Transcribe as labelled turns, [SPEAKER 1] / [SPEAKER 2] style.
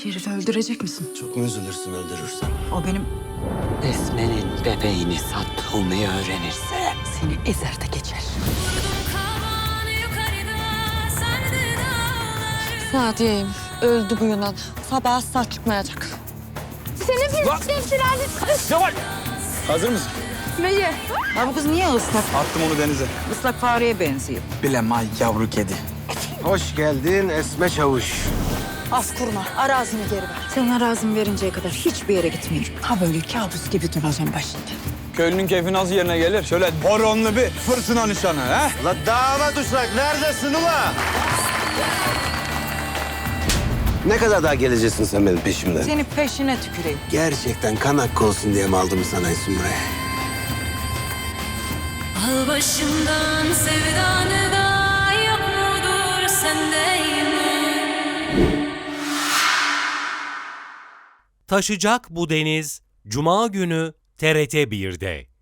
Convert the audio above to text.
[SPEAKER 1] Şerif'i öldürecek misin?
[SPEAKER 2] Çok mu üzülürsün öldürürsen?
[SPEAKER 1] O benim...
[SPEAKER 3] Esme'nin bebeğini sattığımı öğrenirse seni ezer de geçer. Sadiye'yim. Öldü bu Yunan. Sabah asla çıkmayacak.
[SPEAKER 4] Hazır mısın?
[SPEAKER 1] Ya bu kız niye ıslak?
[SPEAKER 4] Attım onu denize.
[SPEAKER 1] Islak fareye benziyor.
[SPEAKER 4] Bilemay yavru kedi.
[SPEAKER 2] Hoş geldin Esme Çavuş.
[SPEAKER 1] Az kurma. Arazini geri ver. Sen arazimi verinceye kadar hiçbir yere gitmiyorum. Ha böyle kabus gibi duracağım başında.
[SPEAKER 4] Köylünün keyfi nasıl yerine gelir? Şöyle horonlu bir fırtına nişanı ha?
[SPEAKER 2] La damat uşak neredesin ula? Ne kadar daha geleceksin sen benim peşimden?
[SPEAKER 1] Seni peşine tüküreyim.
[SPEAKER 2] Gerçekten kan hakkı olsun diye mi aldım sana isim buraya?
[SPEAKER 5] Al başımdan sevdanı da yok mudur sendeyim.
[SPEAKER 6] Taşacak bu deniz Cuma günü TRT 1'de.